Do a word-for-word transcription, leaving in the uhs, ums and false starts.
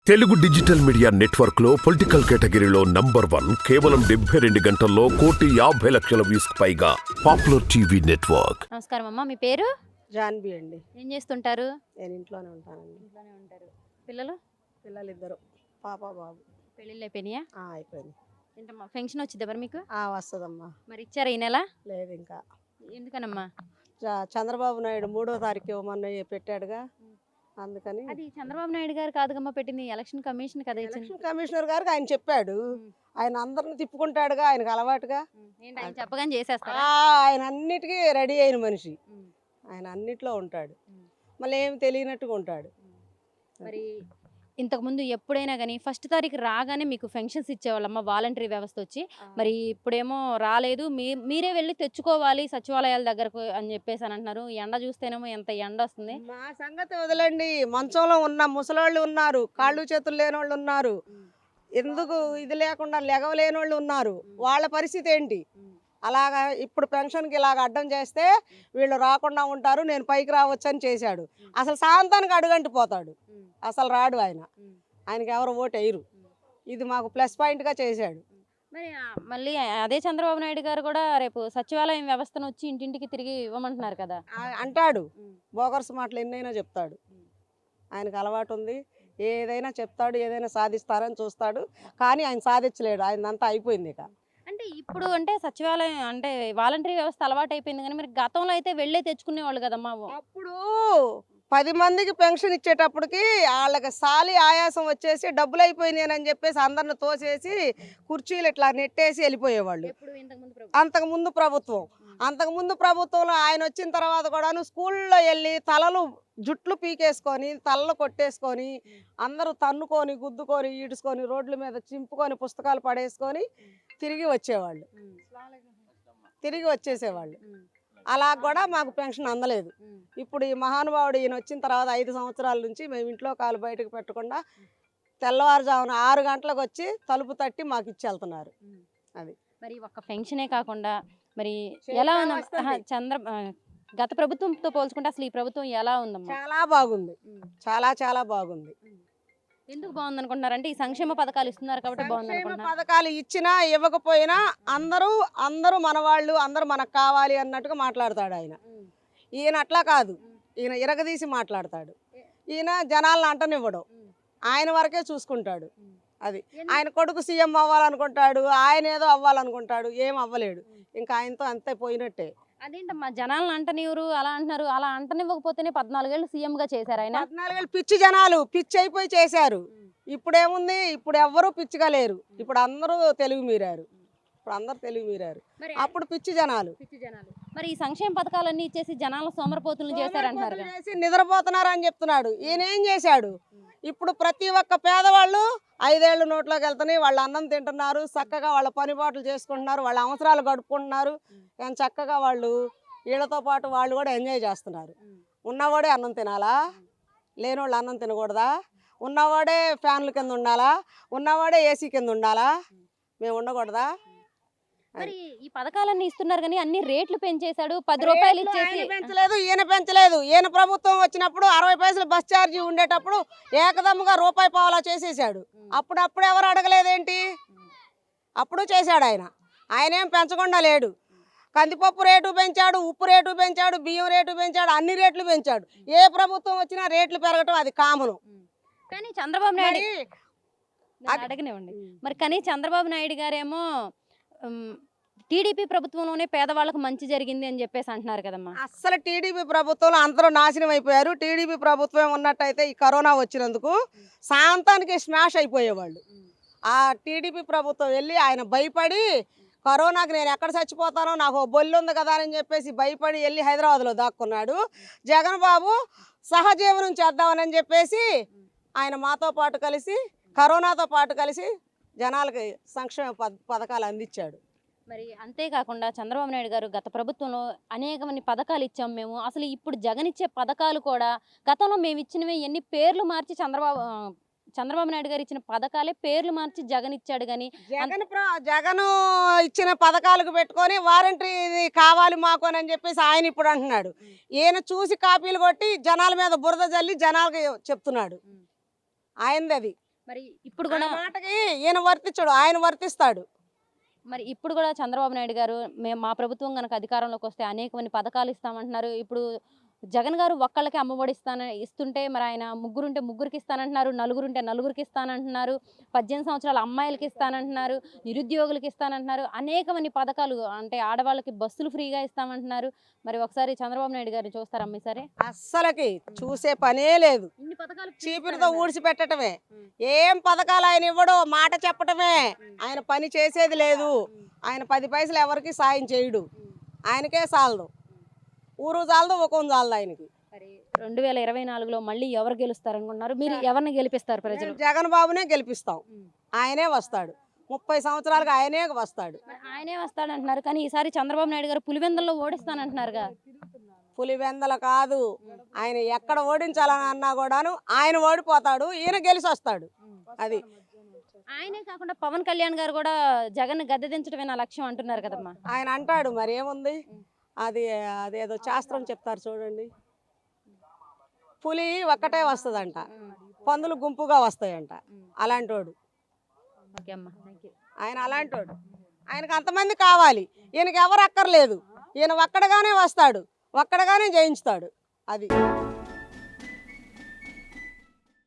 Telugu digital media network లో political కేటగిరీలో number one కేవలం డెబ్బై రెండు గంటల్లో కోటి యాభై లక్షల వ్యూస్ పైగా పాపులర్ టీవీ నెట్వర్క్. నమస్కారం అమ్మా, మీ పేరు? జాన్వి అండి. ఏం చేస్తుంటారు? నేను ఇంట్లోనే ఉంటానండి. ఇంట్లోనే ఉంటారు. పిల్లలు? పిల్లలు ఇద్దరు, పాప బాబు. పెళ్ళిళ్ళు అయిపోయినాయా? ఆ, అయిపోయింది. ఏంటమ్మా ఫంక్షన్ వచ్చిందా మరి మీకు? ఆ, వస్తుందమ్మా. మరి ఇచ్చారా ఈ నెల? లేదు ఇంకా. ఎందుకనమ్మా? చ- చంద్రబాబు నాయుడు మూడో తారీఖు ఇవ్వమని పెట్టాడుగా, అందుకని. అది చంద్రబాబు నాయుడు గారు కాదుగమ్మా పెట్టింది, ఎలక్షన్ కమిషన్ కదా ఇచ్చింది. ఎలక్షన్ కమిషనర్ గారికి ఆయన చెప్పాడు. ఆయన అందరిని తిప్పుకుంటాడుగా, ఆయనకు అలవాటుగా. ఏంటి ఆయన చెప్పగానే చేసేస్తారా? ఆ, ఆయన అన్నిటికీ రెడీ అయిన మనిషి. ఆయన అన్నిట్లో ఉంటాడు, మళ్ళీ ఏమి తెలియనట్టుగా ఉంటాడు. మరి ఇంతకు ముందు ఎప్పుడైనా కానీ ఫస్ట్ తారీఖు రాగానే మీకు ఫంక్షన్స్ ఇచ్చేవాళ్ళమ్మ, వాలంటరీ వ్యవస్థ వచ్చి. మరి ఇప్పుడేమో రాలేదు, మీ మీరే వెళ్ళి తెచ్చుకోవాలి సచివాలయాల దగ్గరకు అని చెప్పేసి అని అంటున్నారు. ఎండ చూస్తేనేమో ఎంత ఎండ వస్తుంది. మా సంగతి వదలండి, మంచంలో ఉన్న ముసలోళ్ళు ఉన్నారు, కాళ్ళు చేతులు లేని వాళ్ళు ఉన్నారు, ఎందుకు ఇది లేకుండా లెగవలేని వాళ్ళు ఉన్నారు. వాళ్ళ పరిస్థితి ఏంటి? అలాగా ఇప్పుడు పెన్షన్కి ఇలాగ అడ్డం చేస్తే వీళ్ళు రాకుండా ఉంటారు, నేను పైకి రావచ్చు అని చేశాడు. అసలు సాయంత్రానికి అడుగంటి పోతాడు, అసలు రాడు ఆయన. ఆయనకి ఎవరు ఓటు వేయరు. ఇది మాకు ప్లస్ పాయింట్గా చేశాడు. మరి ఆ, మళ్ళీ అదే చంద్రబాబు నాయుడు గారు కూడా రేపు సచివాలయం వ్యవస్థను వచ్చి ఇంటింటికి తిరిగి ఇవ్వమంటున్నారు కదా. ఆ- అంటాడు, బోగర్స్ మాటలు ఎన్నైనా చెప్తాడు. ఆయనకు అలవాటు ఉంది, ఏదైనా చెప్తాడు, ఏదైనా సాధిస్తారని చూస్తాడు. కానీ ఆయన సాధించలేడు, ఆయనంతా అయిపోయింది ఇక. అంటే ఇప్పుడు అంటే సచివాలయం అంటే వాలంటరీ వ్యవస్థ అలవాటు అయిపోయింది, కానీ మరి గతంలో అయితే వెళ్ళే తెచ్చుకునేవాళ్ళు కదమ్మా. అప్పుడు పది మందికి పెన్షన్ ఇచ్చేటప్పటికి వాళ్ళకి సాలి ఆయాసం వచ్చేసి డబ్బులు అయిపోయినాయి అని చెప్పేసి అందరిని తోసేసి కుర్చీలు ఇట్లా నెట్టేసి వెళ్ళిపోయేవాళ్ళు. ఎప్పుడు ఇంతకుముందు ప్రభుత్వం? అంతకుముందు ప్రభుత్వం అంతకుముందు ప్రభుత్వంలో ఆయన వచ్చిన తర్వాత కూడాను స్కూల్లో వెళ్ళి తలలు జుట్లు పీకేసుకొని తలలు కొట్టేసుకొని అందరూ తన్నుకొని గుద్దుకొని ఈడ్చుకొని రోడ్ల మీద చింపుకొని పుస్తకాలు పడేసుకొని తిరిగి వచ్చేవాళ్ళు, తిరిగి వచ్చేసేవాళ్ళు. అలా కూడా మాకు పెన్షన్ అందలేదు. ఇప్పుడు ఈ మహానుభావుడు ఈయన వచ్చిన తర్వాత ఐదు సంవత్సరాల నుంచి మేము ఇంట్లో కాలు బయటకు పెట్టకుండా తెల్లవారుజామున ఆరు గంటలకు వచ్చి తలుపు తట్టి మాకు ఇచ్చి వెళ్తున్నారు. అది మరి ఒక్క పెన్షనే కాకుండా మరి ఎలా ఉందమ్మా? ఆహా, చంద్ర ఆ, గత ప్రభుత్వంతో పోల్చుకుంటే అసలు ఈ ప్రభుత్వం ఎలా ఉందమ్మా? చాలా బాగుంది, చాలా చాలా బాగుంది. ఎందుకు బాగుంది అనుకుంటున్నారంటే ఈ సంక్షేమ పథకాలు ఇస్తున్నారు కాబట్టి బాగుంది సంక్షేమ అనుకుంటున్నారు. పథకాలు ఇచ్చినా ఇవ్వకపోయినా అందరూ అందరూ మన వాళ్ళు, అందరూ మనకు కావాలి అన్నట్టుగా మాట్లాడతాడు ఆయన. ఈయన అట్లా కాదు, ఈయన ఇరగదీసి మాట్లాడతాడు. ఈయన జనాలను అంటనివ్వడు, ఆయన వరకే చూసుకుంటాడు. అది ఆయన కొడుకు సీఎం అవ్వాలనుకుంటాడు, ఆయన ఏదో అవ్వాలనుకుంటాడు, ఏం అవ్వలేడు. ఇంకా ఆయనతో అంతే పోయినట్టే. అదేంటమ్మా జనాలను అంటనివ్వరు అలా అంటున్నారు, అలా అంటనివ్వకపోతేనే పద్నాలుగేళ్ళు సీఎం గా చేశారు ఆయన. పద్నాలుగేళ్ళు పిచ్చి జనాలు పిచ్చి అయిపోయి చేశారు. ఇప్పుడేముంది, ఇప్పుడు ఎవ్వరూ పిచ్చిగా లేరు, ఇప్పుడు అందరూ తెలుగు మీరారు, ఇప్పుడు అందరూ తెలుగు మీరారు. మరి అప్పుడు పిచ్చి జనాలు. పిచ్చి జనాలు మరి ఈ సంక్షేమ పథకాలన్నీ ఇచ్చేసి జనాల సోమరపోతులను చేశారంటున్నారు కదా. చేసి నిద్రపోతున్నారు అని చెప్తున్నాడు. ఈయన ఏం చేశాడు? ఇప్పుడు ప్రతి ఒక్క పేదవాళ్ళు ఐదేళ్ళు నోట్లోకి వెళ్తున్నాయి, వాళ్ళు అన్నం తింటున్నారు, చక్కగా వాళ్ళ పని పాటలు చేసుకుంటున్నారు, వాళ్ళ అవసరాలు గడుపుకుంటున్నారు. కానీ చక్కగా వాళ్ళు వీళ్ళతో పాటు వాళ్ళు కూడా ఎంజాయ్ చేస్తున్నారు. ఉన్నవాడే అన్నం తినాలా? లేనివాళ్ళు అన్నం తినకూడదా? ఉన్నవాడే ఫ్యాన్ల కింద ఉండాలా? ఉన్నవాడే ఏసీ కింద ఉండాలా? మేము ఉండకూడదా? మరి ఈ పథకాలన్నీ ఇస్తున్నారు కానీ అన్ని రేట్లు పెంచేశాడు. పది రూపాయలు రేట్లు ఇచ్చేసి ఆయన పెంచలేదు, ఈయన పెంచలేదు. ఈయన ప్రభుత్వం వచ్చినప్పుడు అరవై పైసలు బస్ ఛార్జీ ఉండేటప్పుడు ఏకదమ్ముగా రూపాయి పావలా చేసేసాడు. అప్పుడు అప్పుడు ఎవరు అడగలేదేంటి? అప్పుడు చేశాడు ఆయన. ఆయన ఏం పెంచకుండా లేడు. కందిపప్పు రేటు పెంచాడు, ఉప్పు రేటు పెంచాడు, బియ్యం రేటు పెంచాడు, అన్ని రేట్లు పెంచాడు. ఏ ప్రభుత్వం వచ్చినా రేట్లు పెరగటం అది కామను. కానీ చంద్రబాబు నాయుడు మరి నన్ను అడగనివ్వండి. మరి కానీ చంద్రబాబు నాయుడు గారేమో ఉమ్, టీడీపీ ప్రభుత్వంలోనే పేదవాళ్ళకు మంచి జరిగింది అని చెప్పేసి అంటున్నారు కదమ్మా. అస్సలు టీడీపీ ప్రభుత్వంలో అందరూ నాశనం అయిపోయారు. టీడీపీ ప్రభుత్వం ఉన్నట్టయితే ఈ కరోనా వచ్చినందుకు శాంతానికి స్మాష్ అయిపోయేవాళ్ళు. ఆ టీడీపీ ప్రభుత్వం వెళ్ళి ఆయన భయపడి కరోనాకి నేను ఎక్కడ చచ్చిపోతానో నాకు ఓ బొల్లి ఉంది కదా అని చెప్పేసి భయపడి వెళ్ళి హైదరాబాద్లో దాక్కున్నాడు. జగన్ బాబు సహజీవనం చేద్దామని చెప్పేసి ఆయన మాతో పాటు కలిసి కరోనాతో పాటు కలిసి జనాలకి సంక్షేమ పథ పథకాలు అందించాడు. మరి అంతేకాకుండా చంద్రబాబు నాయుడు గారు గత ప్రభుత్వంలో అనేకమంది పథకాలు ఇచ్చాం మేము, అసలు ఇప్పుడు జగన్ ఇచ్చే పథకాలు కూడా గతంలో మేము ఇచ్చినవి ఎన్ని పేర్లు మార్చి చంద్రబాబు ఆ, చంద్రబాబు నాయుడు గారు ఇచ్చిన పథకాలే పేర్లు మార్చి జగన్ ఇచ్చాడు. కానీ జగన్ జగన్ ఇచ్చిన పథకాలకు పెట్టుకొని వారంటీ కావాలి మాకు అని చెప్పేసి ఆయన ఇప్పుడు అంటున్నాడు. ఈయన చూసి కాపీలు కొట్టి జనాల మీద బురద జల్లి జనాలకి చెప్తున్నాడు. ఆయనది అది. మరి ఇప్పుడు ఆ కూడా మాటకి ఈయన వర్తించడు, ఆయన వర్తిస్తాడు. మరి ఇప్పుడు కూడా చంద్రబాబు నాయుడు గారు మేము మా ప్రభుత్వం కనుక అధికారంలోకి వస్తే అనేకమంది పథకాలు ఇస్తామంటున్నారు. ఇప్పుడు జగన్ గారు ఒక్కళ్ళకి అమ్మఒడి ఇస్తాన ఇస్తుంటే మరి ఆయన ముగ్గురుంటే ముగ్గురికి ఇస్తానంటున్నారు, నలుగురుంటే నలుగురికి ఇస్తానంటున్నారు, పద్దెనిమిది సంవత్సరాల అమ్మాయిలకి ఇస్తానంటున్నారు, నిరుద్యోగులకి ఇస్తానంటున్నారు, అనేకమంది పథకాలు అంటే ఆడవాళ్ళకి బస్సులు ఫ్రీగా ఇస్తామంటున్నారు. మరి ఒకసారి చంద్రబాబు నాయుడు గారిని చూస్తారమ్మ ఈసారి? అస్సలకి చూసే పనే లేదు. ఇన్ని పథకాలు చీపురుతో ఊడ్చిపెట్టడమే. ఏం పథకాలు ఆయన ఇవ్వడు, మాట చెప్పటమే. ఆయన పని చేసేది లేదు. ఆయన పది పైసలు ఎవరికి సాయం చేయడు. ఆయనకే చాలదు, ఊరు చాలదు, ఒకం చాలదు ఆయనకి. మరి రెండు వేల ఇరవై నాలుగులో మళ్ళీ ఎవరు గెలుస్తారనుకుంటున్నారు? మీరు ఎవరిని గెలిపిస్తారు ప్రజలు? మేము జగన్ బాబునే గెలిపిస్తాం. ఆయనే వస్తాడు, ముప్పై సంవత్సరాలకు ఆయనే వస్తాడు. మరి ఆయనే వస్తాడంటున్నారు కానీ ఈసారి చంద్రబాబు నాయుడు గారు పులివెందుల్లో ఓడిస్తానంటున్నారుగా. పులివెందల కాదు, ఆయన ఎక్కడ ఓడించాలని అన్నా కూడాను ఆయన ఓడిపోతాడు, ఈయన గెలిచి వస్తాడు. అది ఆయనే కాకుండా పవన్ కళ్యాణ్ గారు కూడా జగన్ గద్దె దించడమే నా లక్ష్యం అంటున్నారు కదమ్మా. ఆయన అంటాడు, మరి ఏముంది, అది అదేదో శాస్త్రం చెప్తారు చూడండి, పులి ఒక్కటే వస్తుందంట, పందులు గుంపుగా వస్తాయంట. అలాంటోడు ఓకే అమ్మా, థ్యాంక్ యూ. ఆయన, అలాంటోడు. ఆయనకు అంతమంది కావాలి, ఈయనకి ఎవరు అక్కర్లేదు. ఈయన ఒక్కడగానే వస్తాడు, ఒక్కడగానే జయించుతాడు. అది